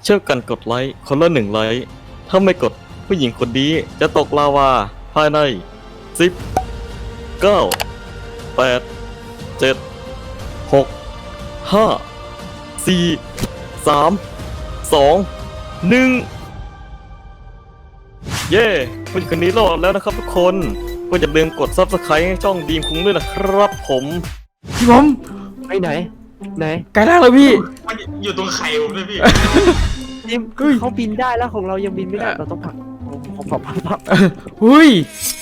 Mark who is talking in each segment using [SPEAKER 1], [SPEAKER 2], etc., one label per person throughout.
[SPEAKER 1] เช่วยกันกดไลค์คนละ1 ไลค์ถ้าไม่กดผู้หญิงคนนี้จะตกลาวาภายใน10 9 8 7 6 5 4 3 2 1เย้ผู้หญิงคนนี้รอดแล้วนะครับทุกคนก็อย่าลืมกด Subscribe ให้ช่องดีมคุ้งด้วยนะครับผม
[SPEAKER 2] พี่ผม
[SPEAKER 3] ไปไหนไหน
[SPEAKER 2] ไกลล่างเลยพี่
[SPEAKER 4] มันอยู่ตรงไข่ผมเลยพี่
[SPEAKER 3] นี่เขาบินได้แล้วของเรายังบินไม่ได้เราต้องผลักผลัก
[SPEAKER 2] หุ้ย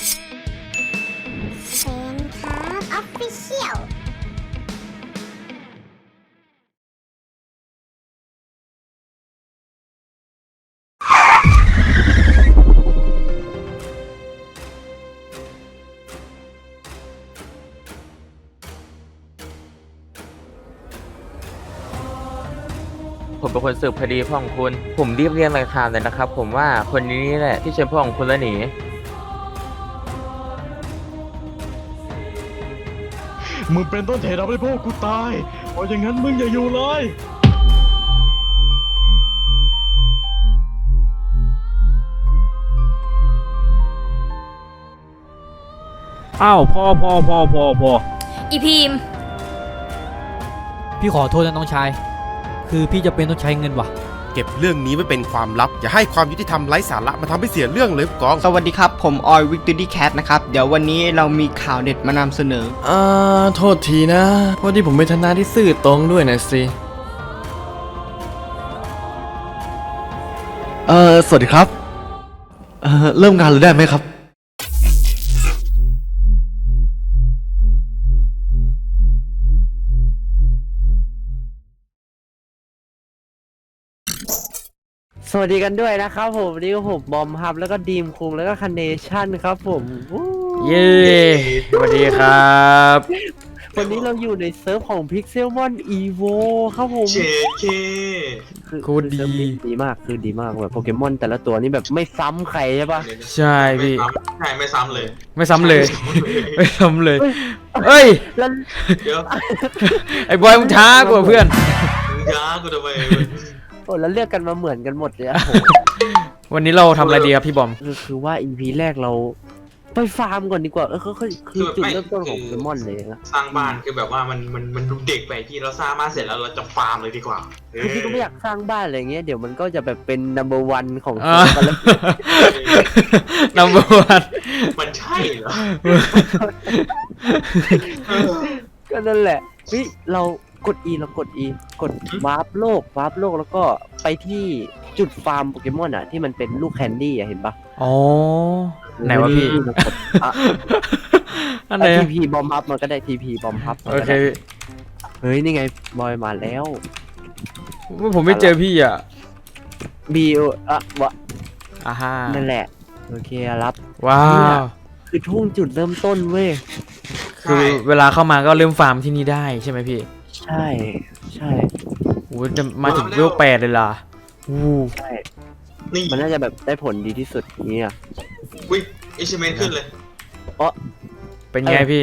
[SPEAKER 5] เชนครับออฟฟิเชียล
[SPEAKER 6] ผมเป็นคนสืบคดีพ่อของคุณ ผมรีบเรียงรายการเลยนะครับ ผมว่าคนนี้นี่แหละที่เชิญพ่อของคุณแล้วหนี
[SPEAKER 1] มึงเป็นต้นเหตุทำให้พวกกูตายเพราะอย่างนั้นมึงอย่าอยู่เลย
[SPEAKER 2] อ้าวพอ
[SPEAKER 7] อีพีม
[SPEAKER 8] พี่ขอโทษนะน้องชาย คือพี่จะเป็นต้องใช้เงินว่ะ
[SPEAKER 9] เก็บเรื่องนี้ไว้เป็นความลับ อย่าให้ความยุติธรรมไร้สาระมาทำให้เสียเรื่องเลยผู้กอง
[SPEAKER 10] สวัสดีครับ ผมออยวิกตอรี่แคทนะครับ เดี๋ยววันนี้เรามีข่าวเด็ดมานำเสนอ
[SPEAKER 1] โทษทีนะเพราะที่ผมเป็นทนายที่ซื่อตรงด้วยนะสิสวัสดีครับเริ่มงานเลยได้ไหมครับ
[SPEAKER 3] สวัสดีกันด้วยนะครับผมนี่ก็ผมบอมครับแล้วก็ดีมคุงแล้วก็คันเนชั่นครับผมวู้
[SPEAKER 2] เย้สวัสดีครับ
[SPEAKER 3] วันนี้เราอยู่ในเซิร์ฟของ Pixelmon Evo ครับผม
[SPEAKER 4] เชเค
[SPEAKER 2] คูณดี
[SPEAKER 3] เซิร์ฟนี้ดีมากคือดีมากแบบโปเกมอนแต่ละตัวนี่แบบไม่ซ้ำใครใช่ปะ
[SPEAKER 2] ใช่พี่
[SPEAKER 4] ใช่ไม่ซ้ำเลย
[SPEAKER 2] ไม่ซ้ำเลย ไม่ซ้ำเลย เอ้ย
[SPEAKER 3] แล้ว
[SPEAKER 4] เดี๋ยว
[SPEAKER 2] ไอ้บอยมึงช้ากว่าเพื่อน
[SPEAKER 4] มึงย้ากูทำไม
[SPEAKER 3] โอ้แล้วเลือกกันมาเหมือนกันหมดเลยอะโห
[SPEAKER 2] วันนี้เราทำอะไรดีครับพี่บอม
[SPEAKER 3] คือว่า EP แรกเราไปฟาร์มก่อนดีกว่าคือจุดเริ่มต้นของโปเกมอนเลยนะ
[SPEAKER 4] สร้างบ้านคือแบบว่ามันดูเด็กไปพี่เราสร้างบ้านเสร็จแล้วเราจะฟาร์มเลยดีกว่า
[SPEAKER 3] คือพี่ก็ไม่อยากสร้างบ้านอะไรเงี้ยเดี๋ยวมันก็จะแบบเป็น number one ของ
[SPEAKER 2] อ่า
[SPEAKER 3] กันแล้ว
[SPEAKER 2] number one
[SPEAKER 4] มันใช่เหรอ
[SPEAKER 3] ก็นั่นแหละพี่เรากด E เรากด E กดวาร์ปโลกแล้วก็ไปที่จุดฟาร์มโปเกมอนอ่ะที่มันเป็นลูกแคนดี้อะเห็นปะ
[SPEAKER 2] อ๋อ ไหนวะพี่ อันไหน
[SPEAKER 3] ทีพีบอมพับมันก็ได้ทีพีบอมพับ
[SPEAKER 2] โอเค
[SPEAKER 3] เฮ้ยนี่ไงบอยมาแล้ว
[SPEAKER 2] ผมไม่เจอพี่อ่ะ
[SPEAKER 3] บีวะ
[SPEAKER 2] อ่าฮะ
[SPEAKER 3] นั่นแหละโอเครับ
[SPEAKER 2] ว้าว
[SPEAKER 3] คือทุ่งจุดเริ่มต้นเว้ย
[SPEAKER 2] คือเวลาเข้ามาก็เริ่มฟาร์มที่นี่ได้ใช่ไหมพี่
[SPEAKER 3] ใช่ใช่
[SPEAKER 2] โอ้จะมาถึงเวล8เลยล่ะอู้
[SPEAKER 3] ใช่
[SPEAKER 4] นี่
[SPEAKER 3] มันน่าจะแบบได้ผลดีที่สุดนี้อ่ะ
[SPEAKER 4] วิอิชเมนขึ้นเลย
[SPEAKER 2] เป็นไงพี่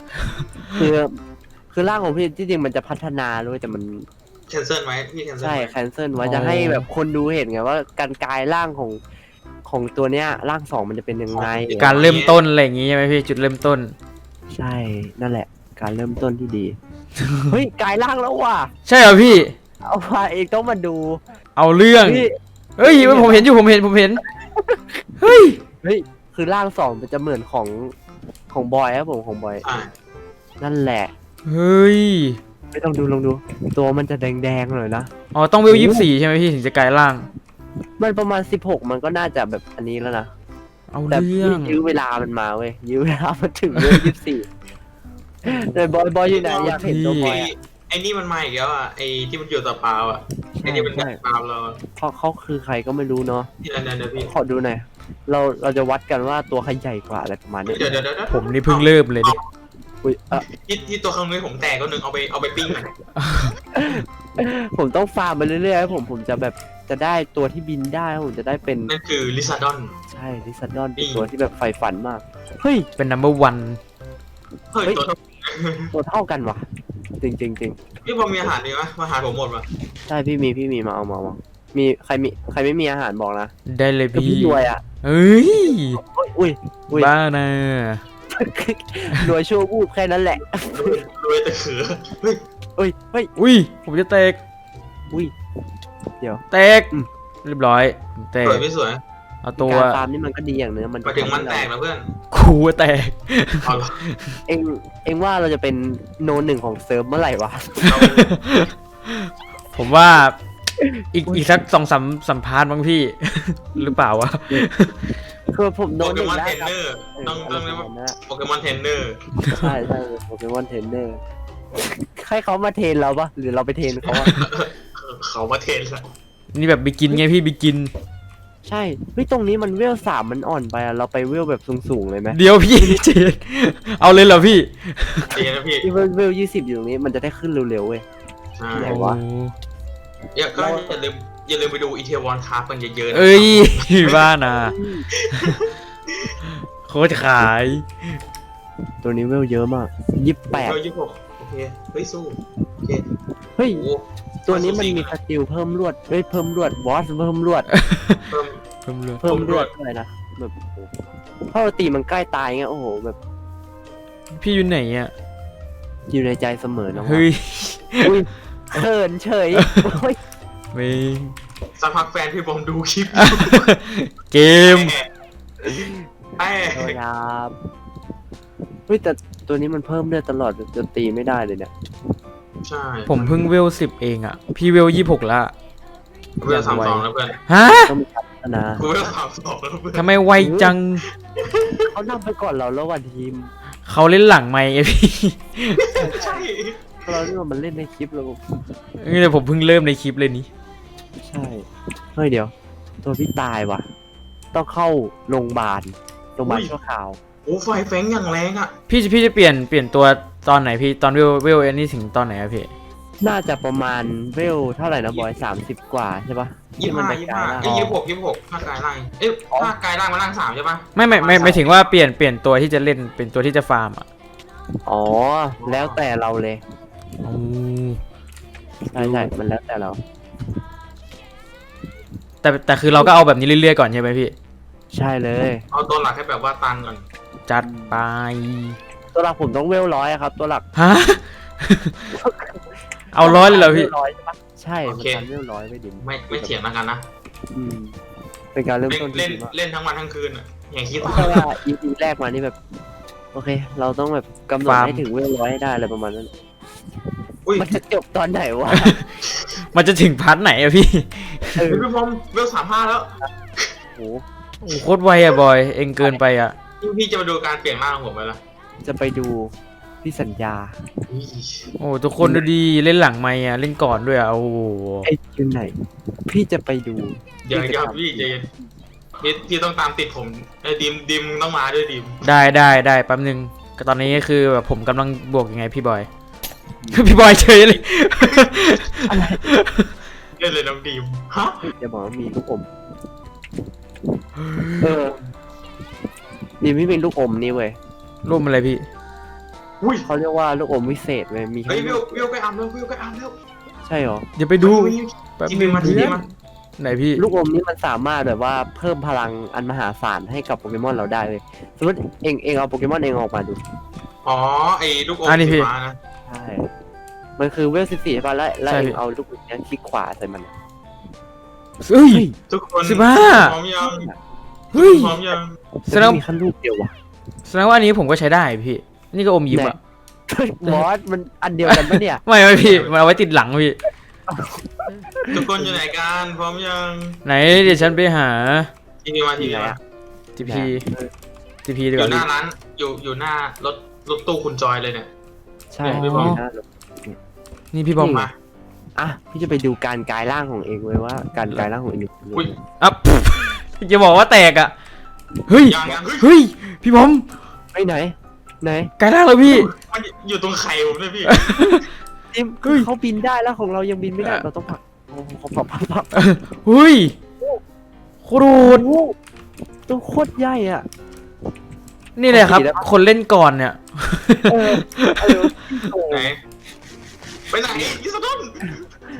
[SPEAKER 3] คือร่างของพี่ที่จริงมันจะพัฒนาด้วยแต่มัน
[SPEAKER 4] แคนเซิลไว้พี่แคนเซิล
[SPEAKER 3] ใช่
[SPEAKER 4] ไว้
[SPEAKER 3] แคนเซิลไว้
[SPEAKER 2] อ๋อ
[SPEAKER 3] จะให้แบบคนดูเห็นไงว่าการกลายร่างของตัวเนี้ยร่างสองมันจะเป็นยังไง
[SPEAKER 2] การเริ่มต้นอะไรอย่างงี้ใช่ไหมพี่จุดเริ่มต้น
[SPEAKER 3] ใช่นั่นแหละ การเริ่มต้นที่ดี เฮ้ยกลายร่างแล้วว่ะ
[SPEAKER 2] ใช่เหรอพี่
[SPEAKER 3] เอาว่าเองต้องมาดู
[SPEAKER 2] เอาเรื่อง
[SPEAKER 3] พี่
[SPEAKER 2] เฮ้ยผมเห็นอยู่ผมเห็นเฮ้ย
[SPEAKER 3] เฮ้ยคือร่างสองมันจะเหมือนของบอยครับผมของบอย
[SPEAKER 4] อ่า
[SPEAKER 3] นั่นแหละ
[SPEAKER 2] เฮ้ย
[SPEAKER 3] ไม่ต้องดูลองดู ตัวมันจะแดงๆหน่อยนะ
[SPEAKER 2] อ๋อต้องเวล24ใช่ไหมพี่ถึงจะกลายร่าง
[SPEAKER 3] มันประมาณ16มันก็น่าจะแบบอันนี้แล้วนะ
[SPEAKER 2] เอา
[SPEAKER 3] แต่
[SPEAKER 2] เรื่อง
[SPEAKER 3] ยื้อเวลามันมาเว้ยยื้อเวลามันถึงเวล24แต่บอยอยู่ไหนอยากเห็นตัวบอยอะ
[SPEAKER 4] ไอ้นี่มันมาอีกแล้วอ่ะไอ้ที่มันอยู่ต่อเปล่าอ่ะไอ้ที่มัน
[SPEAKER 3] ใช่
[SPEAKER 4] เปล่าเรา
[SPEAKER 3] เพราะเขาคือใครก็ไม่รู้เนาะ
[SPEAKER 4] ที่นั่นเดี๋ยวพี่
[SPEAKER 3] ขอดูหน่อยเราจะวัดกันว่าตัวใครใหญ่กว่าอะไรประมาณนี้
[SPEAKER 4] เดี๋ยว
[SPEAKER 2] ผมนี่เพิ่งเริ่มเลยดิ
[SPEAKER 3] อุ้ย
[SPEAKER 4] ที่ตัวข้างนู้นผมแตกก็หนึ่งเอาไปปิ้งมัน
[SPEAKER 3] ผมต้องฟาร์มไปเรื่อยๆผมจะแบบจะได้ตัวที่บินได้ผมจะได้เป็น
[SPEAKER 4] นั่นคือลิซาดอน
[SPEAKER 3] ใช่ลิซันดอนเป็นตัวที่แบบใฝ่ฝันมากเฮ้ย
[SPEAKER 2] เป็น number one
[SPEAKER 4] เฮ้ยตัว
[SPEAKER 3] ตัวเท่ากันว่ะจริง
[SPEAKER 4] พี่บอมมีอาหารดีไหมอาหารผมหมดป่ะ
[SPEAKER 3] ใช่พี่มีมาเอามีใครไม่มีอาหารบอกนะ
[SPEAKER 2] ได้เลย
[SPEAKER 3] คือ
[SPEAKER 2] พี่
[SPEAKER 3] พี่รวยอ่ะ
[SPEAKER 2] เฮ้ย
[SPEAKER 3] อุ้ย
[SPEAKER 2] บ้านะ
[SPEAKER 3] รวยชั่ววูบแค่นั้นแหละ
[SPEAKER 4] รวยแต่เขือเฮ้ย
[SPEAKER 3] เฮ้ย
[SPEAKER 2] อุ้ยผมจะแตก
[SPEAKER 3] อุ้ย เดี๋ยว
[SPEAKER 2] แตก
[SPEAKER 3] อืม
[SPEAKER 2] เรียบร้อยแตก
[SPEAKER 4] สวยไม่สวย
[SPEAKER 2] เอาตัว
[SPEAKER 3] การฟาร์มนี่มันก็ดีอย่างนึงมัน
[SPEAKER 4] มาถึงมันแตกนะเพื่อน
[SPEAKER 2] คูแตก
[SPEAKER 4] เอาเหรอ
[SPEAKER 3] เองว่าเราจะเป็นโนหนึ่งของเซิร์ฟเมื่อไหร่วะ
[SPEAKER 4] เรา
[SPEAKER 2] ผมว่าอีกสัก2-3สัมภาษณ์บ้างพี่ หรือเปล่าวะ
[SPEAKER 3] คือผมโน
[SPEAKER 4] โป
[SPEAKER 3] ห
[SPEAKER 4] เก
[SPEAKER 3] นึ่ง
[SPEAKER 4] มอน
[SPEAKER 3] ได้
[SPEAKER 4] เทรน
[SPEAKER 3] ครับ
[SPEAKER 4] เนอร์ต้องเรียกว่า
[SPEAKER 3] นะ
[SPEAKER 4] โปเกมอนเทรนเนอร์
[SPEAKER 3] ใช่โปเกมอนเทรนเนอร์ให้เขามาเทรนเราปะหรือเราไปเทรนเขาอะ
[SPEAKER 4] เขามาเทรนละ
[SPEAKER 2] นี่แบบบิกินไงพี่บิกิน
[SPEAKER 3] ใช่เฮ้ยตรงนี้มันเวล3มันอ่อนไปอะเราไปเวลแบบสูงๆเลยไหม
[SPEAKER 2] เดี๋ยวพี่ เจนเอาเลยเหรอพี่
[SPEAKER 4] ดีนะพี่
[SPEAKER 3] ที่เวล20อยู่ตรงนี้มันจะได้ขึ้นเร็วๆเว้ย
[SPEAKER 4] ใช่
[SPEAKER 3] ไหนวะ
[SPEAKER 4] ก็อย่าลืมไปดูอีเทวอนคราฟกันเยอะๆนะ
[SPEAKER 2] เอ้ยบ้านะโคตรขาย
[SPEAKER 3] ตัวนี้เวลเยอะมาก
[SPEAKER 4] เรา
[SPEAKER 3] 28
[SPEAKER 4] 26โอเคเฮ้ยสู้โอเค
[SPEAKER 3] เฮ้ย
[SPEAKER 4] โอ้
[SPEAKER 3] ตัวนี้มันมีสกิลเพิ่มลวดเฮ้ยเพิ่มลวดบอสเพิ่มลวด
[SPEAKER 4] เพิ่ม
[SPEAKER 2] เพิ่มเลย
[SPEAKER 3] เพิ่มลวดเลยนะแบบถ้าเราตีมันใกล้ตายเงี้ยโอ้โหแบบ
[SPEAKER 2] พี่อยู่ไหนอ่ะ
[SPEAKER 3] อยู่ในใจเสมอนะ
[SPEAKER 2] เฮ้ย
[SPEAKER 3] อุ้ยเขินเฉยโอ้ย
[SPEAKER 2] ไม่
[SPEAKER 4] สักพักแฟนพี่บอมดูคลิป
[SPEAKER 2] เกม
[SPEAKER 4] ไอ้
[SPEAKER 3] โทษครับเฮ้ยแต่ตัวนี้มันเพิ่มเลือดตลอดจนตีไม่ได้เลยเนี่ย
[SPEAKER 4] ใช่
[SPEAKER 2] ผมเพิ่งเวล10เองอ่ะ พี่เวล26ละ
[SPEAKER 4] เวล32แล้วเพื่อน
[SPEAKER 2] ฮะ
[SPEAKER 3] ต้องมีพัฒนา
[SPEAKER 4] กูเวล32แล้วเพื่อน
[SPEAKER 2] ทำไมไวจัง
[SPEAKER 3] เขานำไปก่อนเราแล้ววันทีม
[SPEAKER 2] เขาเล่นหลังไม่ไงพี่
[SPEAKER 4] ใช่
[SPEAKER 3] เราเนี่ยมันเล่นในคลิปเรา
[SPEAKER 2] นี่เลยผมเพิ่งเริ่มในคลิปเลยนี้
[SPEAKER 3] ใช่เฮ้ยเดี๋ยว ตัวพี่ตายว่ะ ต้องเข้าโรงพยาบาลชั่วคราว
[SPEAKER 4] โอ้ไฟแฟงอย่างแรงอ่ะ
[SPEAKER 2] พี่จะเปลี่ยนตัวตอนไหนพี่ตอนเวลอันนี้ถึงตอนไหนอะพี่
[SPEAKER 3] น่าจะประมาณเวลเท่าไหร่นะบอย30 กว่าใช่ปะที่มัน
[SPEAKER 4] 25
[SPEAKER 3] กลายร่าง
[SPEAKER 4] 26ภาคกายร่างเอ้ยภาคกายร่างมาร่าง3ใช่ปะ
[SPEAKER 2] ไม่ถึงว่าเปลี่ยนตัวที่จะเล่นเป็นตัวที่จะฟาร์มอ่ะ
[SPEAKER 3] อ๋อ แล้วแต่เราเลย
[SPEAKER 2] อ๋อ
[SPEAKER 3] ใช่มันแล้วแต่เรา
[SPEAKER 2] แต่คือเราก็เอาแบบนี้เรื่อยๆก่อนใช่ไหมพี่
[SPEAKER 3] ใช่เลย
[SPEAKER 4] เอาตัวหลักให้แบบว่าตันก่อน
[SPEAKER 2] จัดไป
[SPEAKER 3] ตัวหลักผมต้องเวล100อะครับ ตัวหลัก
[SPEAKER 2] ฮะ เอาร้อยเลยเหรอพี่
[SPEAKER 3] วล100ใช่ปะใช่มันการเวล100ไม่ดิม
[SPEAKER 4] ไม่เถียงแล้วกันนะ
[SPEAKER 3] อืมเป็นการเริ่ม
[SPEAKER 4] เล่น
[SPEAKER 3] ต้นที่
[SPEAKER 4] เล่น
[SPEAKER 3] ดีมาก
[SPEAKER 4] เล่นทั้งวันทั้งคืนอ่ะอย่างคิด
[SPEAKER 3] เพราะว่า EP แรกมานี่แบบ โอเค เราต้องแบบกำหนด
[SPEAKER 2] ฟาร์ม
[SPEAKER 3] ให้ถึงเวล100ให้ได้อะไรประมาณนั้น
[SPEAKER 4] อุ้ย
[SPEAKER 3] มันจะจบตอนไหนวะ
[SPEAKER 2] มันจะถึงพาร์ทไหนอะพี่
[SPEAKER 3] เออ
[SPEAKER 4] พี่บอมเวล35แล้ว
[SPEAKER 3] โห
[SPEAKER 2] โอ้โหโคตรไวอะบอย เองเกินไปอะ
[SPEAKER 4] พี่จะมาดูการเปลี่ยนร่างของผมไปละ
[SPEAKER 3] จะไปดูพี่สัญญา
[SPEAKER 4] อุ้ย
[SPEAKER 2] โอ้ทุกคนดูดีเล่นหลังไม่อะเล่นก่อนด้วยอะโอ้โห
[SPEAKER 3] ไอ้คิวไหน พี่จะไปดู
[SPEAKER 4] อย่างเงี้ยพี่ใจเย็นพี่ต้องตามติดผมไอ้ดิมต้องมาด้วยดิม
[SPEAKER 2] ได้แป๊บนึงก็ตอนนี้คือแบบผมกำลังบวกยังไงพี่บอย พี่บอยเฉยเลย
[SPEAKER 4] เล่นเลยน้องดิมฮะ
[SPEAKER 3] จะบอกว่ามีลูกอม เออดีไม่เป็นลูกอมนี่เว้ย
[SPEAKER 2] ร่วมอะไรพี่
[SPEAKER 4] อุ้ย
[SPEAKER 3] เขาเรียกว่าลูกอมวิเศษเว้ย มี
[SPEAKER 4] เฮ้ย
[SPEAKER 3] ให้
[SPEAKER 4] วิวไปอ่านแล้ววิวไปอ่านแล้ว
[SPEAKER 3] ใช่เหรอ
[SPEAKER 2] เดี๋ยวไปดูแป๊บ
[SPEAKER 4] ที
[SPEAKER 2] นึ
[SPEAKER 4] วี
[SPEAKER 2] ง
[SPEAKER 4] มาทีวีมา
[SPEAKER 2] ไหนพี่
[SPEAKER 3] ลูกอมนี่มันสามารถแบบว่าเพิ่มพลังอันมหาศาลให้กับโปเกมอนเราได้เลยสมมติเองเอาโปเกมอนเองออกมาดู
[SPEAKER 4] อ๋อไอ้ลูกอม
[SPEAKER 2] อันนี้พี่
[SPEAKER 4] สีฟ้านะ
[SPEAKER 3] ใช่ มันคือเวล14ใช่ป่ะแล้ว
[SPEAKER 2] ใช่
[SPEAKER 3] เอ
[SPEAKER 2] พี่
[SPEAKER 3] งเอาลูกอมเนี้ยคลิกขวาใส่มัน
[SPEAKER 2] เฮ้ย
[SPEAKER 4] ทุกคน
[SPEAKER 2] 15
[SPEAKER 4] พร้อมยัง
[SPEAKER 2] เฮ้ย
[SPEAKER 4] พร้อมยัง
[SPEAKER 2] แสดง
[SPEAKER 3] มีขั้นลูกเดียววะ
[SPEAKER 2] แสดงว่าอันนี้ผมก็ใช้ได้พี่ นี่ก็อมยิ้มอะ
[SPEAKER 3] บอสมันอันเดียวกันปะเนี่ย
[SPEAKER 2] ไม่พี่มันเอาไว้ติดหลังพี่
[SPEAKER 4] ทุกคนอยู่ไหนกันพร้อมยัง
[SPEAKER 2] ไหนเดี๋ยวฉันไปหา
[SPEAKER 4] ทีวีมาทีวีมา
[SPEAKER 2] ทีพีดี
[SPEAKER 4] อก
[SPEAKER 2] ว่า
[SPEAKER 4] ยู่หน้า
[SPEAKER 2] พี่
[SPEAKER 4] ร้านอยู่หน้ารถตู้คุณจอยเลยเนี่ย
[SPEAKER 3] ใช่
[SPEAKER 4] พี่บอม
[SPEAKER 2] นี่พี่บอม
[SPEAKER 4] มา
[SPEAKER 3] อ่ะพี่จะไปดูการกลายร่างของเองเว้ยว่าการกลายร่างของเอง
[SPEAKER 4] อุ้ย
[SPEAKER 2] อ่ะ จะบอกว่าแตกอะเฮ้ย
[SPEAKER 4] ยังเฮ้ย
[SPEAKER 2] เฮ้ย พี่บอม
[SPEAKER 3] ไปไหน ไหน
[SPEAKER 2] กลายร่างแล้วพี่
[SPEAKER 4] มันอยู่ตรงไข่ผมเลยพี่
[SPEAKER 3] จิม
[SPEAKER 2] เฮ้ย
[SPEAKER 3] เขาบินได้แล้วของเรายังบินไม่ได้เราต้องผลักโอ้โหเขาผลัก
[SPEAKER 2] เฮ้ยโคตรโหด
[SPEAKER 3] โอ้โหตัวโคตรใหญ่อ่ะ
[SPEAKER 2] นี่เลยครับ
[SPEAKER 3] ขี่ได้ปะ
[SPEAKER 2] คนเล่นก่อนเนี่ย
[SPEAKER 3] เออเออพี่โกง
[SPEAKER 4] ไหนไปไหนยิสตุน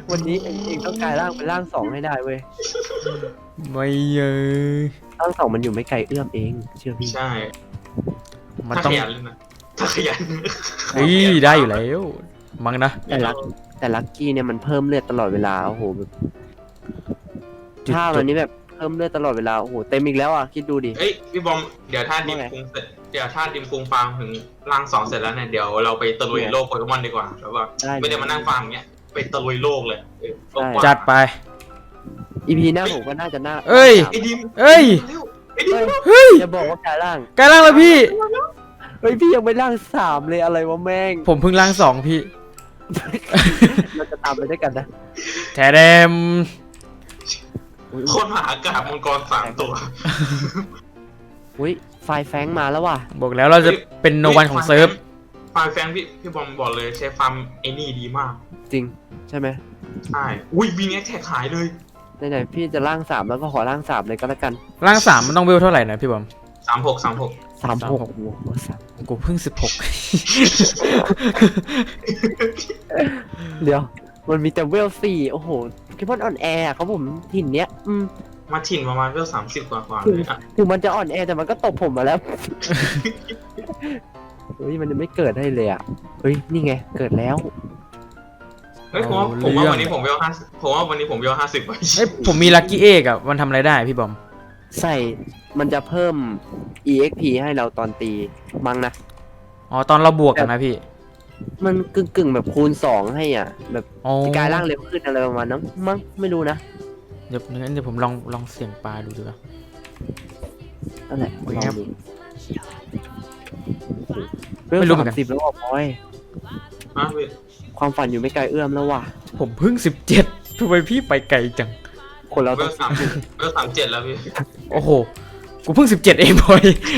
[SPEAKER 3] วันนี้เองต้องกลายร่างเป็นร่างสองให้ได้เว้ย
[SPEAKER 2] ไม่เยอะ
[SPEAKER 3] ร่างสองมันอยู่ไม่ไกลเอื้อมเองเชื่อพี่
[SPEAKER 4] ใช่
[SPEAKER 2] มัน
[SPEAKER 4] ถ้า
[SPEAKER 2] ต้อ
[SPEAKER 4] ข
[SPEAKER 2] ง
[SPEAKER 4] ยันเลยนะถ้าขยัน
[SPEAKER 2] เฮ้ยได้อยู่แล้วมั้งนะ
[SPEAKER 3] แต่ลักกี้เนี่ยมันเพิ่มเลือดตลอดเวลาโอ้โหแบบถ้ามันนี้แบบเพิ่มเลือดตลอดเวลาโอ้โหเต็มอีกแล้วอ่ะคิดดูดิ
[SPEAKER 4] เอ้ยพี่บอมเดี๋ยวถ้าดิมคุงเสร็จเดี๋ยวถ้าดิมคุงฟาร์มถึงร่างสองเสร็จแล้วเนี่ยเดี๋ยวเราไปตะลุยโลกโปเกมอนดีกว่าแบบว่าไม่ได้มานั่งฟาร์มอย่างเงี้ยไปตะลุยโลกเลยโลกกว้าง
[SPEAKER 2] จัดไป
[SPEAKER 3] อีพีหน้าผมก็น่าจะน่า
[SPEAKER 2] เอ้ย
[SPEAKER 4] ไอ้ดิม
[SPEAKER 2] เอ้ย
[SPEAKER 4] ไอ้ดิม
[SPEAKER 2] เฮ้ย
[SPEAKER 3] จะบอกว่ากลายร่าง
[SPEAKER 2] กลายร่างแล้วพี่
[SPEAKER 3] เฮ้ยพี่ยังไม่ร่างสามเลยอะไรวะแม่ง
[SPEAKER 2] ผมเพิ่งร่าง2พี่
[SPEAKER 3] เราจะตามไปด้วยกันนะ
[SPEAKER 2] แทเดม
[SPEAKER 4] โคตรมหากาพย์มังกร3 ตัว
[SPEAKER 3] อุ้ยไฟแฟงมาแล้วว่ะ
[SPEAKER 2] บอกแล้วเราจะเป็นโนวันของเซิร์ฟ
[SPEAKER 4] ฟาร์มแฟงพี่บอมบอกเลยใช้ฟาร์มไอ้นี่ดีมาก
[SPEAKER 3] จริงใช่ไหม
[SPEAKER 4] ใช่อุ้ยบีเน็กแท็กหายเลย
[SPEAKER 3] ไหนๆพี่จะร่างสามแล้วก็ขอร่างสามเลยก็แล้วกัน
[SPEAKER 2] ร่าง3มันต้องเวลเท่าไหร่นะพี่บอม
[SPEAKER 4] 36
[SPEAKER 3] 36โอ้โหสาม
[SPEAKER 2] กูเพิ่ง
[SPEAKER 3] เดี๋ยวมันมีแต่เวล4โอ้โหโปเกมอนออนแอร์เขาผมถิ่นเนี้ย
[SPEAKER 4] มาถิ่นประมาณเวล30 กว่าเลยอ่ะ
[SPEAKER 3] ถึงมันจะอ่อนแอแต่มันก็ตบผมมาแล้ว เฮ้ยมันยังไม่เกิดให้เลยอ่ะเฮ้ยนี่ไงเกิดแล้ว
[SPEAKER 4] เฮ้ยผมว่าวันนี้ผมเวล50ผมว่าวันนี้ผมเวล50ไป
[SPEAKER 2] เอ้ยผมมีลัคกี้เอกอะมันทำอะไรได้พี่บอม
[SPEAKER 3] ใส่มันจะเพิ่ม EXP ให้เราตอนตีมั้งนะ
[SPEAKER 2] อ๋อตอนเราบวกกันนะพี่
[SPEAKER 3] มันกึ่งแบบคูณ2ให้อ่ะ แบบ
[SPEAKER 2] อ๋อ
[SPEAKER 3] จะกลายร่างเร็วขึ้นอะไรประมาณนั้นมั้งไม่รู้นะ
[SPEAKER 2] เดี๋ยวงั้นเดี๋ยวผมลองเสี่ยงปลาดูดีกว่า
[SPEAKER 3] นั่นแหละ
[SPEAKER 2] โอ้ย
[SPEAKER 3] ลอง
[SPEAKER 2] ครับ
[SPEAKER 3] ดู
[SPEAKER 2] ไม่รู้เหมือนกัน
[SPEAKER 3] 30แล้วอ่ะพอย
[SPEAKER 4] ฮะพี่
[SPEAKER 3] ความฝันอยู่ไม่ไกลเอื้อมแล้วว่ะ
[SPEAKER 2] ผมเพิ่ง17ทำไมพี่ไปไกลจัง
[SPEAKER 3] คนเรา
[SPEAKER 4] เว
[SPEAKER 3] ต้อง
[SPEAKER 4] ล37แล้วพี่
[SPEAKER 2] โอ้โห กูเพิ่ง17เองบอย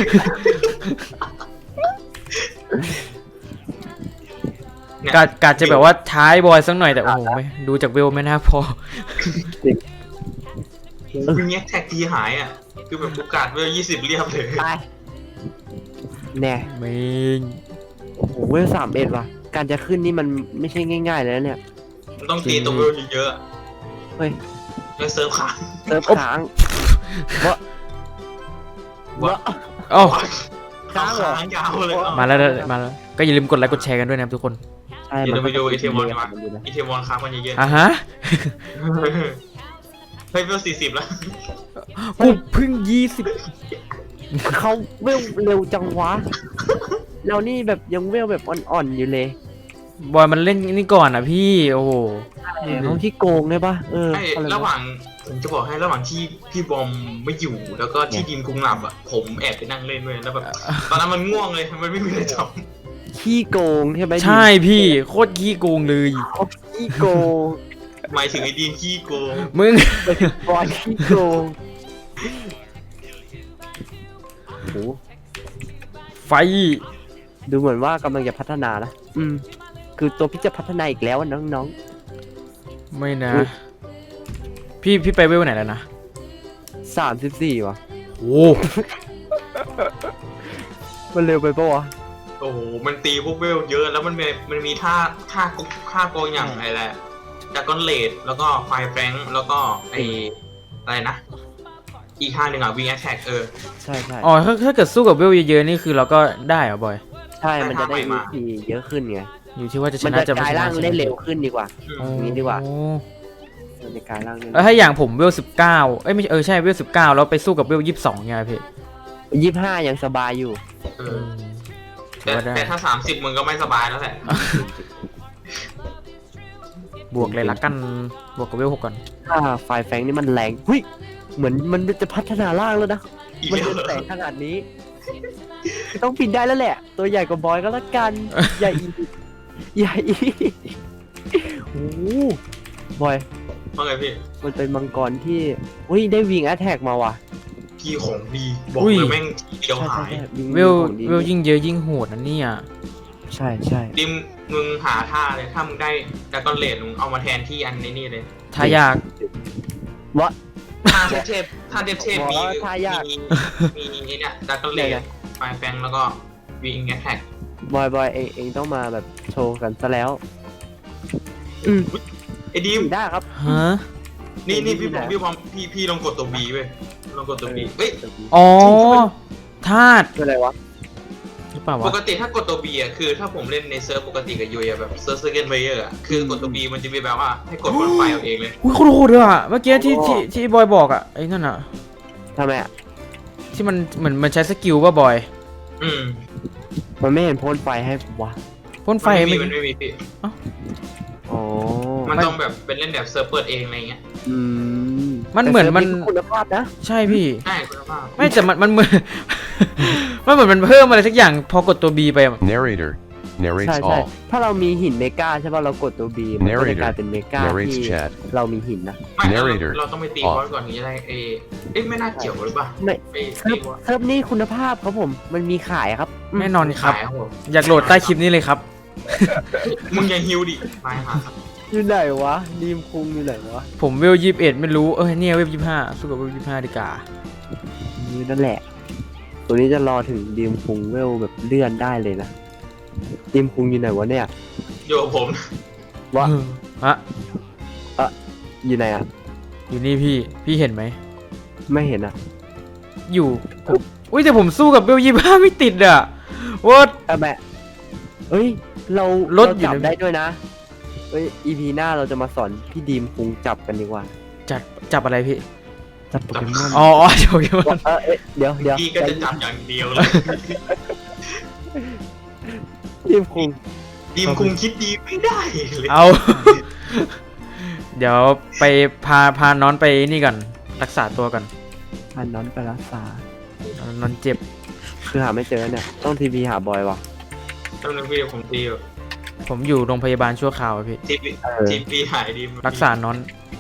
[SPEAKER 4] เนี่ย
[SPEAKER 2] กาจะแบบว่าท้ายบอยสักหน่อยแต่โอ้โหไม่ดูจากเวลไม่น่าพอ
[SPEAKER 4] บีเน็กแท็กทีหายอ่ะคือแบบโอกาสเวล20เรียบเลย
[SPEAKER 3] ตายแน่
[SPEAKER 2] ไม่
[SPEAKER 3] โอ้โหเวล31ว่ะ การจะขึ้นนี่มันไม่ใช่ง่ายๆเลยนะเนี่ย
[SPEAKER 4] มันต้องตีตัวเวลเยอะ
[SPEAKER 3] เฮ้ย
[SPEAKER 4] ๆแล้วเซิร์ฟขาด
[SPEAKER 3] เซิร์ฟค้างวะ
[SPEAKER 2] โอ้
[SPEAKER 3] ค้างเหรอ
[SPEAKER 4] ค้างยาวเลย
[SPEAKER 2] มาแล้วก็อย่าลืมกดไลค์กดแชร์กันด้วยนะครับทุกคน
[SPEAKER 3] ใช่
[SPEAKER 4] เดี๋ยวเราไปดูไอเทมวอน
[SPEAKER 3] กั
[SPEAKER 4] มาอีเทมวอนค้างมันเยอะ
[SPEAKER 2] อ่ะฮะ
[SPEAKER 4] ๆเฮ้ยเวล40แล้ว
[SPEAKER 2] กูเพิ่ง
[SPEAKER 3] เขาเวลเร็วจังวะ เรานี่แบบยังเวลแบบอ่อนๆอยู่เลย
[SPEAKER 2] 20บอยมันเล่นนี่ก่อนอ่ะพี่โอ้โห
[SPEAKER 3] เขาที่โกงได้ปะ
[SPEAKER 4] ไอ้
[SPEAKER 3] อะไร
[SPEAKER 4] ระหว่างผมจะบอกให้ระหว่างที่พี่บอมไม่อยู่แล้วก็ที่ดิมคุงหลับอ่ะผมแอบไปนั่งเล่นด้วยแล้วแบบตอนนั้นมันง่วงเลยมันไม่มีอะไรท
[SPEAKER 3] ขี้โกงใช่ไหม
[SPEAKER 2] ใช่พี่โคตรขี้โกงเลย
[SPEAKER 3] เขาขี้โกง
[SPEAKER 4] ำหมายถึงไอ้ดีนขี้โกง
[SPEAKER 2] มึง
[SPEAKER 3] บอลขี้โกงโอ้โห
[SPEAKER 2] ไฟ
[SPEAKER 3] ดูเหมือนว่ากำลังจะพัฒนานะคือตัวพี่จะพัฒนาอีกแล้วอะน้อง
[SPEAKER 2] ไม่นะ
[SPEAKER 3] อุ๊ย
[SPEAKER 2] พี่ไปเวลไหนแล้วนะ
[SPEAKER 3] ๆ34ว่ะ
[SPEAKER 2] โอ้
[SPEAKER 3] มันเร็วไปปะวะ
[SPEAKER 4] โอ้โหมันตีพวกเวลเยอะแล้วมันมีท่าโกงอย่างไรแหละจากก้อนเลดแล้วก็ไฟแฟงแล้วก็ไออะไรนะอีกท่าหนึ่งอ่ะวิงแอทแทก
[SPEAKER 3] ใช่ใช่
[SPEAKER 2] อ๋อถ้าเกิดสู้กับเวลเยอะๆนี่คือเราก็ได้เหรอบอย
[SPEAKER 3] ใช่มันจะได้ EP เยอะขึ้นไง
[SPEAKER 2] อยู่ที่ว่าจะช
[SPEAKER 3] มัน
[SPEAKER 2] นะ
[SPEAKER 3] จะ
[SPEAKER 2] จะ
[SPEAKER 3] ก
[SPEAKER 2] ไม่
[SPEAKER 3] ลาย
[SPEAKER 2] ชนะ
[SPEAKER 3] ร่าง
[SPEAKER 2] ใช่ไหม
[SPEAKER 3] ได้เร็วขึ้นดีกว่า
[SPEAKER 2] โอ้
[SPEAKER 3] นี้ดีกว่า มันจะกลายร่างได้
[SPEAKER 2] แล้วถ้าอย่างผมเวล19เอ้ยไม่ใช่เวล19แล้วไปสู้กับเวล22ไงพี่
[SPEAKER 3] 25ยังสบายอยู่
[SPEAKER 2] ถือว่าได้
[SPEAKER 4] แต่ถ้า30มึงก็ไม่สบายแล้วแหละ
[SPEAKER 2] บวกเลยละกันบวกกับเวล6ก่อน
[SPEAKER 3] ถ้าไฟแฟงนี่มันแรงหุ้ยเหมือนมันจะพัฒนาร่างแล้วนะ
[SPEAKER 4] อีก
[SPEAKER 3] มัน
[SPEAKER 4] แล้ว
[SPEAKER 3] เป็นแสงขนาดนี้ ต้องปิดได้แล้วแหละ ตัวใหญ่กว่าบอยก็แล้วกัน ใหญ่อีกใหญ่อีกโอ้โหบอย
[SPEAKER 4] ว่าไงพี่
[SPEAKER 3] มันเป็นมังกรที่อุ้ยได้วิงแอทแทกมาว่ะ
[SPEAKER 4] พี่ของดีบอกเลยแม่งทีเดียวหาย
[SPEAKER 3] วิง
[SPEAKER 2] เวล
[SPEAKER 3] ของดี
[SPEAKER 2] เวลยิ่งเยอะยิ่งโหดนะเนี่ย
[SPEAKER 3] ใช่ใช่
[SPEAKER 4] ดิมมึงหาท่าเลยถ้ามึงได้ดากอนเลดมึงเอามาแทนที่อันนี้นี่เลย
[SPEAKER 2] ถ้ายาก
[SPEAKER 3] วะ
[SPEAKER 4] ท่าเทพมี
[SPEAKER 3] บอกว่าท่ายาก
[SPEAKER 4] มีเนี่ยดากอนเลดไฟแฟงแล้วก็วิงแอทแทก
[SPEAKER 3] บอยเองต้องมาแบบโชว์กันซะแล้ว
[SPEAKER 4] ไอ้ดีม
[SPEAKER 3] ได้ครับ
[SPEAKER 2] ฮะ
[SPEAKER 4] นี่พี่ลองกดตัว B เว้ยลองกดตัว B เฮ้ย
[SPEAKER 2] อ๋อธาตุ
[SPEAKER 3] คืออะไรวะ
[SPEAKER 2] หรือเปล่า
[SPEAKER 4] ป
[SPEAKER 2] วะ
[SPEAKER 4] กติถ้ากดตัว B อ่ะคือถ้าผมเล่นในเซิร์ฟปกติกับยุยอะแบบเซิร์ฟเซอร์เกนเพลเยอร์อ่ะคือกดตัว B มันจะมีแบบว่าให้กดบนไฟเอาเองเลย
[SPEAKER 2] อุ้ยโคตรโหดเลยอ่ะเมื่อกี้ที่บอยบอกอ่ะไอ้นั่นอ่ะ
[SPEAKER 3] ทำไมอ่ะ
[SPEAKER 2] ที่มันเหมือนมันใช้สกิลป่ะบอย
[SPEAKER 4] อืม
[SPEAKER 3] มันไม่เห็นพ่นไฟให้วะ
[SPEAKER 2] พ่นไฟ
[SPEAKER 4] มัน
[SPEAKER 2] ไม่
[SPEAKER 4] ไม่มีพี่
[SPEAKER 3] อ๋อ
[SPEAKER 4] มันต้องแบบเป็นเล่นแบบเซิร์ฟเปิดเองอะไรเงี้ย
[SPEAKER 3] อืม
[SPEAKER 2] มันเหมือนมัน
[SPEAKER 3] แต่ซิร์ฟคุณภาพนะ
[SPEAKER 2] ใช่พี่
[SPEAKER 4] ใช่คุณภาพ
[SPEAKER 2] ไม่แต่มันเหมือน มันเหมือนมันเพิ่มอะไรสักอย่างพอกดตัว B ไปอะ
[SPEAKER 11] Narrator
[SPEAKER 3] ใช่
[SPEAKER 11] narrates
[SPEAKER 3] ใช่
[SPEAKER 11] all.
[SPEAKER 3] ถ้าเรามีหินเมกาใช่ป่ะเรากดตัว B มันก็จะกลายเป็นเมกา
[SPEAKER 11] narrates
[SPEAKER 3] ที่
[SPEAKER 11] chat.
[SPEAKER 3] เรามีหินนะ
[SPEAKER 4] ไม่
[SPEAKER 11] Narrator
[SPEAKER 4] เราต้องไปตีบอสก่อนถึงจะได้เอ้ยไม่น่าเกี่ยวหรือเปล่า
[SPEAKER 3] ไม่
[SPEAKER 4] ไป
[SPEAKER 3] เซิร์ฟ
[SPEAKER 4] ตีบอส
[SPEAKER 3] เซิร์ฟนี่คุณภาพครับผม มันมีขายครับ
[SPEAKER 2] แน่นอนครับ
[SPEAKER 4] ขายผม
[SPEAKER 2] อยากโหลดใต้คลิปนี้เลยครับ
[SPEAKER 4] มึงยังฮิวดิมาหาครับ
[SPEAKER 3] อยู่ไหนวะดีมคุงอยู่ไหนวะ
[SPEAKER 2] ผมเวล21ไม่รู้เนี่ยเวล25สู้กับเวล25ดีกว่า
[SPEAKER 3] นี่นั่นแหละ ตัวนี้จะรอถึงดีมคุงเวลแบบเลื่อนได้เลยนะดีมคุงอยู่ไหนวะเนี่ย
[SPEAKER 4] อยู่กับผม
[SPEAKER 3] วะ
[SPEAKER 2] ฮะ
[SPEAKER 3] อยู่ไหนอ่ะ
[SPEAKER 2] อยู่นี่พี่เห็นไหม
[SPEAKER 3] ไม่เห็นอ่ะ
[SPEAKER 2] อยู่ผมอุ้ยแต่ผมสู้กับเวล25ไม่ติดอ่ะว่า
[SPEAKER 3] แม่เอ้ย เรา
[SPEAKER 2] รถ
[SPEAKER 3] เรา
[SPEAKER 2] อยู่
[SPEAKER 3] จับ
[SPEAKER 2] ใน
[SPEAKER 3] ได้ด้วยนะเอ้ย EP หน้าเราจะมาสอนพี่ดีมคุงจับกันดีกว่า
[SPEAKER 2] จับอะไรพี่
[SPEAKER 3] จับโปเกมอน
[SPEAKER 2] อ๋อโอเค
[SPEAKER 3] เดี๋ยว
[SPEAKER 4] พี่ก็จะจับอย่างเดียวเลย
[SPEAKER 3] ดีมคุง
[SPEAKER 4] ดีมคุงคิดดีไม่ได้เลย
[SPEAKER 2] เอา เดี๋ยวไปพาน้อนไปนี่ก่อนรักษาตัวก่อน
[SPEAKER 3] พันน้อนไปรักษา
[SPEAKER 2] นอนเจ็บ
[SPEAKER 3] คือหาไม่เจอเนี่ย ต้องทีพีหาบอยวะ
[SPEAKER 4] ตอนนึงพี่ผมตีอยู่
[SPEAKER 2] ผมอยู่โรงพยาบาลชั่วคราวอะพี่
[SPEAKER 4] ทีพีหายดี
[SPEAKER 2] รักษาน้อน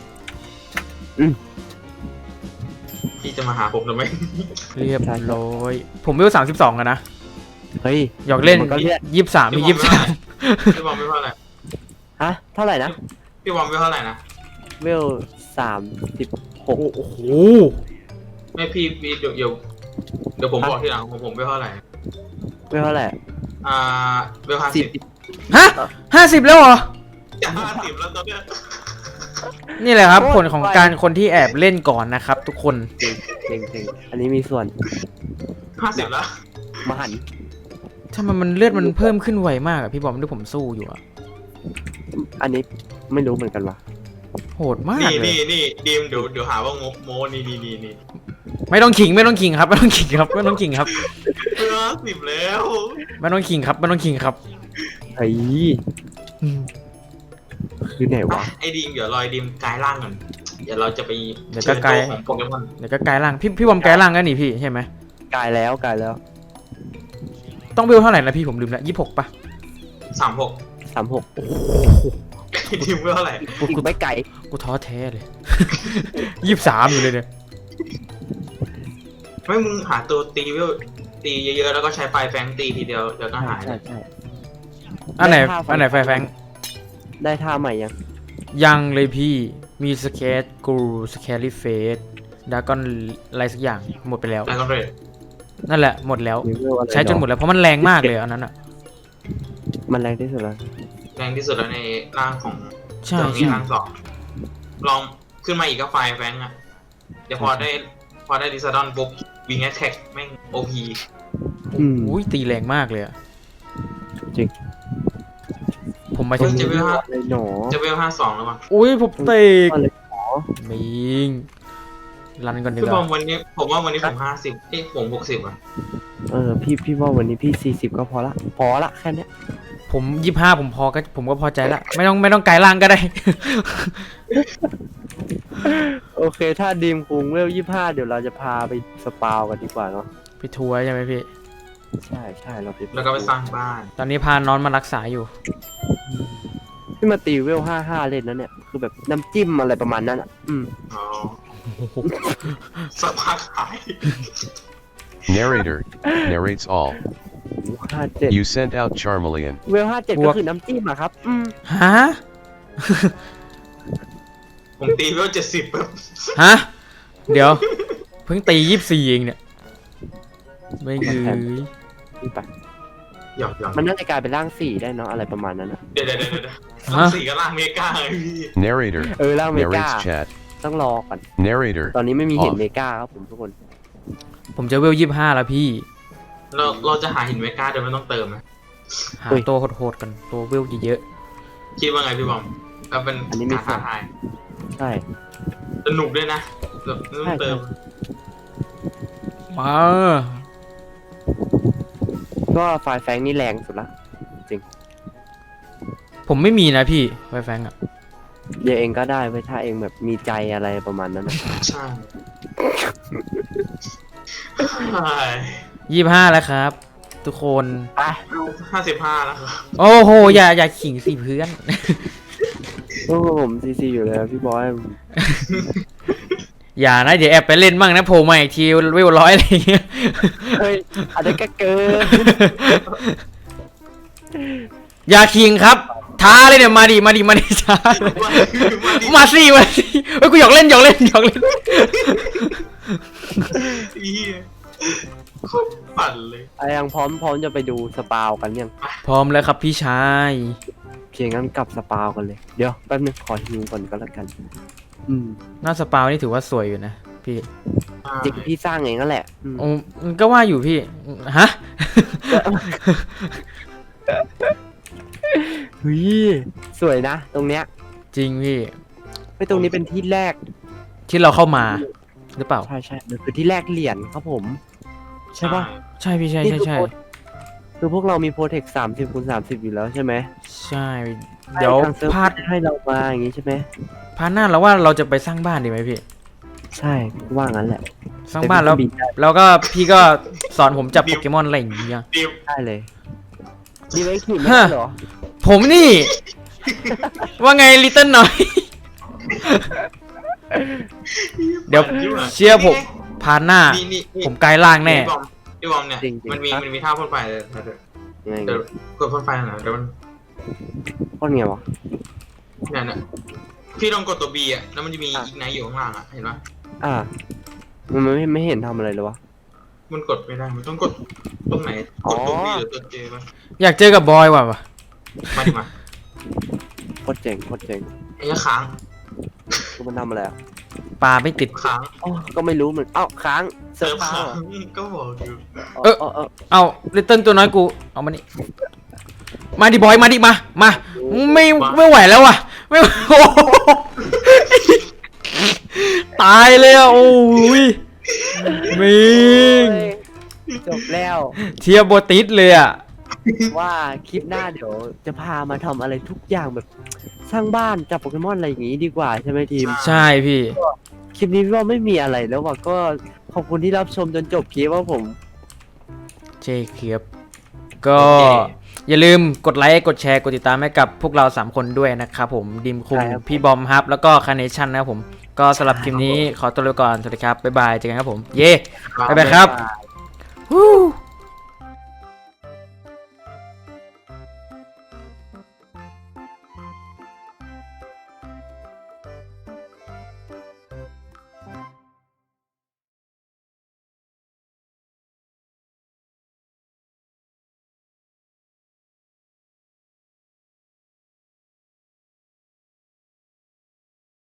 [SPEAKER 4] พี่จะมาหาผมทำไม
[SPEAKER 2] เรียบร้อยผมเวล32กันนะ
[SPEAKER 3] เฮ้ย
[SPEAKER 2] หยอกเล่น
[SPEAKER 3] มันก็เลือด
[SPEAKER 2] 23มี
[SPEAKER 4] พี่บอมไม่เท่าไหร่
[SPEAKER 3] ฮะ เท่าไหร่นะ
[SPEAKER 4] พี่บอมไม่เท่าไหร่นะ
[SPEAKER 3] เวล36
[SPEAKER 2] โอ้โห
[SPEAKER 4] ไม่พี่เดี๋ยวผมบอกทีหลังของผมไม่เท่าไหร่
[SPEAKER 3] เวลเท่าไหร่
[SPEAKER 4] เวล50
[SPEAKER 2] ฮะ50แล้วเหรอ
[SPEAKER 4] จะ50แล้วตอนเนี้ย
[SPEAKER 2] นี่แหละครับผลของการคนที่แอบเล่นก่อนนะครับ ทุกคน
[SPEAKER 3] เก่งอันนี้มีส่วน
[SPEAKER 4] 50แล้ว
[SPEAKER 3] มหันต์
[SPEAKER 2] ถ้ามันเลือดมันเพิ่มขึ้นไวมากอะพี่บอมที่ผมสู้อยู่อะ
[SPEAKER 3] อันนี้ไม่รู้เหมือนกันว่ะ
[SPEAKER 2] โหดมาก
[SPEAKER 4] นี่
[SPEAKER 2] เลย
[SPEAKER 4] นี่ดีมเดี๋ยวหาว่างบโมนี่
[SPEAKER 2] ไม่ต้องขิงครับไม่ต้องขิงครับไม่ต้องขิงครับ
[SPEAKER 4] 50แล้ว
[SPEAKER 2] ไม่ต้องขิงครับไม่ต้องขิงครับ
[SPEAKER 3] เฮ้ยคือไหนวะ
[SPEAKER 4] ไอ้ดีมเดี๋ยวรอยดีมกลายร่างก่อนเดี๋ยวเราจะไป
[SPEAKER 2] เดี๋ยวก็กลาย
[SPEAKER 4] เชิญตัวของโปเกมอน
[SPEAKER 2] เดี๋ยวก็กลายร่างพี่บอมกลายร่างกันนี่พี่ใช่ไหม
[SPEAKER 3] กายแล้ว
[SPEAKER 2] ต้องเบลเท่าไหร่นะพี่ผมลืมละ26ป่ะ
[SPEAKER 4] 36
[SPEAKER 3] 36
[SPEAKER 4] ดีมเท่าไหร่
[SPEAKER 3] อีกไม่ไกล
[SPEAKER 2] กูท้อแท้เลย 23อยู่เลยเนี่ย
[SPEAKER 4] ไม่มึงหาตัวตีเวลตีเยอะๆแล้วก็ใช้ไฟแฟงตีทีเดียวเดี๋ยวก็หาย
[SPEAKER 3] ใช่
[SPEAKER 2] อันไหนไฟแฟง
[SPEAKER 3] ได้ท่าใหม่ยัง
[SPEAKER 2] ยังเลยพี่มีสเกตกูสแครี่เฟสดากอนอะไรสักอย่างหมดไปแล้ว
[SPEAKER 4] แล้วก็เรท
[SPEAKER 2] นั่นแหละหมดแล้ว
[SPEAKER 3] มีเวลอะไร
[SPEAKER 2] ใช้จนหมดแล้วเพราะมันแรงมากเลยอันนั้นอ่ะ
[SPEAKER 3] มันแรงที่สุดแล้ว
[SPEAKER 4] แรงที่สุดแล้วในร่างของ
[SPEAKER 2] ใช่
[SPEAKER 4] เจ้านี้
[SPEAKER 2] ใช่
[SPEAKER 4] ร่าง2ลองขึ้นมาอีกก็ไฟแฟงอ่ะเดี๋ยวพอได้ดิซาดอนปุ๊บวิงแอทแท็กแม่งโอพี
[SPEAKER 2] อุ้ยตีแรงมากเลยอะ
[SPEAKER 3] จริง
[SPEAKER 2] ผมมาถึง
[SPEAKER 4] จะเวล
[SPEAKER 3] เลยหนอ
[SPEAKER 4] 52แล้วมั้ง
[SPEAKER 2] อุ้ยผมเตะ
[SPEAKER 3] อะไรหนอ
[SPEAKER 2] มิงรันก่อนดี
[SPEAKER 4] พี่
[SPEAKER 2] ก
[SPEAKER 4] บอ
[SPEAKER 2] ว่าม
[SPEAKER 4] วันนี้ผมว่าวันนี้ผม50เอ้ยผม60อ่ะ
[SPEAKER 3] พี่ว่าวันนี้พี่40ก็พอละแค่เนี้ย
[SPEAKER 2] ผม25ผมก็พอใจละไม่ต้องไกลล่างก็ได้
[SPEAKER 3] โอเค ถ้าดีมคุงเวล25เดี๋ยวเราจะพาไปสปาวกันดีกว่าเนาะ
[SPEAKER 2] ไปทัวร์ใช่ไหมพี่
[SPEAKER 3] ใช่เราไป
[SPEAKER 4] แล้วก็ไปสร้างบ้าน
[SPEAKER 2] ตอนนี้พาน้อนมารักษาอยู่
[SPEAKER 3] ที่มาตีเวล55เล่นนั้นเนี่ยคือแบบน้ำจิ้มอะไรประมาณนั้นอ่ะ
[SPEAKER 4] อ๋อสักพักหาย
[SPEAKER 11] Narrator narrates all.
[SPEAKER 3] 57
[SPEAKER 11] You sent out Charmeleon.
[SPEAKER 3] เวล57ก็คือน้ำจิ้มอะครับ
[SPEAKER 2] ฮะ
[SPEAKER 4] ผมตีเวล70แบบ
[SPEAKER 2] ฮะ เดี๋ยว เพิ่งตี24เองเนี่ย ไม่ยืย
[SPEAKER 3] นี่ปะ
[SPEAKER 4] หยอก
[SPEAKER 3] มันน่าจะกลายเป็นร่าง4ได้เนาะอะไรประมาณนั้นนะ
[SPEAKER 4] เดี๋ยวต้องสี่กับล่างเมกาไงพี่
[SPEAKER 11] Narrator
[SPEAKER 3] ร่างเมกา
[SPEAKER 11] narrates chat.
[SPEAKER 3] ต้องรอก่อน
[SPEAKER 11] Narrator
[SPEAKER 3] ตอนนี้ไม่มีเห็น
[SPEAKER 11] off.
[SPEAKER 3] เมกาครับผมทุกคน
[SPEAKER 2] ผมจะเวล25แล้วพี่
[SPEAKER 4] เราจะหาหินเมกาโดยไม่ต้องเติมนะ
[SPEAKER 2] หาตัวโหดๆกันตัวเวลเยอะ
[SPEAKER 4] คิดว่าไงพี่บอมก็เป็นการท้าทาย
[SPEAKER 3] ใช่
[SPEAKER 4] สนุกด้วยนะแบบไม่ต้องเติม
[SPEAKER 2] ๆมา
[SPEAKER 3] ก็ไฟแฟงนี่แรงสุดละ
[SPEAKER 2] ผมไม่มีนะพี่ไวแฟงอ่ะ
[SPEAKER 3] เดี๋ยวเองก็ได้ไว้ถ้าเองแบบมีใจอะไรประมาณนั้นนะ
[SPEAKER 4] ใช่
[SPEAKER 2] 25แล้วครับ ทุกคน
[SPEAKER 3] ไป
[SPEAKER 4] 55แล้วครับ
[SPEAKER 2] โอ้โหอย่าขิงสิเพื่อน
[SPEAKER 3] โอ้ผมซีอยู่เลยพี่บอย
[SPEAKER 2] อย่านะเดี๋ยวแอบไปเล่นมั่งนะโผล่มาอีกทีเวล100อะไรอย่างเงี้ย
[SPEAKER 3] เฮ้ยอาจจะเกิน
[SPEAKER 2] อย่าขิงครับท้าเลยเนี่ยมาดิท้ามาสิเฮ้ยกูหยอกเล่น
[SPEAKER 4] เหี้ยโคตรปั่นเลย
[SPEAKER 3] ไอ้ยังพร้อมจะไปดูสปาวกันยัง
[SPEAKER 2] พร้อมแล้วครับพี่ชาย
[SPEAKER 3] เพียงงั้นกลับสปาวกันเลย เดี๋ยวแป๊บนึงขอฮิวก่อนก็แล้วกัน
[SPEAKER 2] หน้าสปาวนี่ถือว่าสวยอยู่นะพี่
[SPEAKER 3] จริงพี่สร้างเองนั่นแหละ
[SPEAKER 2] โอ้ก็ว่าอยู่พี่ฮะ
[SPEAKER 3] เฮ้ยสวยนะ ตรงเนี้ย
[SPEAKER 2] จริงพี่
[SPEAKER 3] ไม่ตรงนี้เป็นที่แรก
[SPEAKER 2] ที่เราเข้ามาหรือเปล่า
[SPEAKER 3] ใช่มันคือที่แรกเหรียญครับผม ใช่ปะ
[SPEAKER 2] ใช่พี่ใช่
[SPEAKER 3] คือพวกเรามีโปรเทค30x30อยู่แล้วใช่ไหม
[SPEAKER 2] ใช่เดี๋ยว
[SPEAKER 3] ทางเซิร์ฟ
[SPEAKER 2] พาร์ท
[SPEAKER 3] ให้เรามาอย่างงี้ใช่ไหม
[SPEAKER 2] พาร์ทหน้าเราว่าเราจะไปสร้างบ้านดีไหมพี่
[SPEAKER 3] ใช่ว่างั้นแหละ
[SPEAKER 2] สร้างบ้านแล้ว
[SPEAKER 3] บินได้
[SPEAKER 2] แล้วก็พี่ก็สอนผมจับโปเกมอนอะไรอย่างเงี้ย
[SPEAKER 4] ดิว
[SPEAKER 3] ได้เลยดีไหมขี่ไม่
[SPEAKER 2] ฮะ
[SPEAKER 3] ได้เหรอ
[SPEAKER 2] ผมนี่ ว่าไงลิตเติ้ลหน่อย เดี๋ยวเชื่อผมพาร์ทหน้า
[SPEAKER 4] นี่
[SPEAKER 2] ผมกลายร่างแน่
[SPEAKER 4] พี่บอมเนี่ย
[SPEAKER 3] จริงๆ
[SPEAKER 4] มันมีท่าพ่นไฟเลย
[SPEAKER 3] ไง
[SPEAKER 4] เดี๋ยวกดพ่นไฟหน่อยเดี๋ยวมัน
[SPEAKER 3] พ่นไงวะ
[SPEAKER 4] เนี่ยพี่ลองกดตัว B อ่ะแล้วมันจะมีอีกไนท์อยู่ข้างล่างอ่ะเห็นปะ
[SPEAKER 3] มันไม่เห็นทำอะไรเลยวะ
[SPEAKER 4] มันกดไม่ได้มันต้องกดตรงไหนกดตัว B หรือตัว J ปะ
[SPEAKER 2] อยากเจอกับบอยว่ะ
[SPEAKER 4] มาดิมา
[SPEAKER 3] โคตรเจ๋ง
[SPEAKER 4] ไอ้ค้าง
[SPEAKER 3] คือมันทำอะไรอ่ะ
[SPEAKER 2] ปลาไม่ติด
[SPEAKER 4] ค้าง
[SPEAKER 3] อ๋อก็ไม่รู้เหมือนเอ้าค้างเซิ
[SPEAKER 4] เซิ
[SPEAKER 3] ร์
[SPEAKER 4] ร์
[SPEAKER 3] ฟ
[SPEAKER 4] ฟ
[SPEAKER 3] ค้าง
[SPEAKER 4] ค้าง
[SPEAKER 3] เหรอ
[SPEAKER 4] ก็บอกอยู่
[SPEAKER 2] เอาลิตเติ้ลตัวน้อยกูเอามานี่มาดิบอยมาดิมาไม่ไหวแล้วว่ะไม่ไหวโอ้โหตายเลยอ่ะโอ้ยมิง
[SPEAKER 3] จบแล้ว
[SPEAKER 2] เทียบโบติสเลยอ่ะ
[SPEAKER 3] ว่าคลิปหน้าเดี๋ยวจะพามาทำอะไรทุกอย่างแบบสร้างบ้านจับโปเกมอนอะไรอย่างงี้ดีกว่าใช่ไหมทีม
[SPEAKER 2] ใช่พี่
[SPEAKER 3] คลิปนี้พี่ว่าไม่มีอะไรแล้วว่ะก็ขอบคุณที่รับชมจนจบคลิปว่าผม
[SPEAKER 2] เจเคียบก็อย่าลืมกดไลค์กดแชร์กดติดตามให้กับพวกเรา3คนด้วยนะครับผมดิมคุงพี่บอมฮับแล้วก็คาเนชั่นนะครับผมก็สำหรับคลิปนี้ขอตัวไปก่อนสวัสดีครับบ๊ายบายเจอกันครับผมเย่บ๊ายบายครับ
[SPEAKER 3] บ๊ายบาย
[SPEAKER 2] Woo!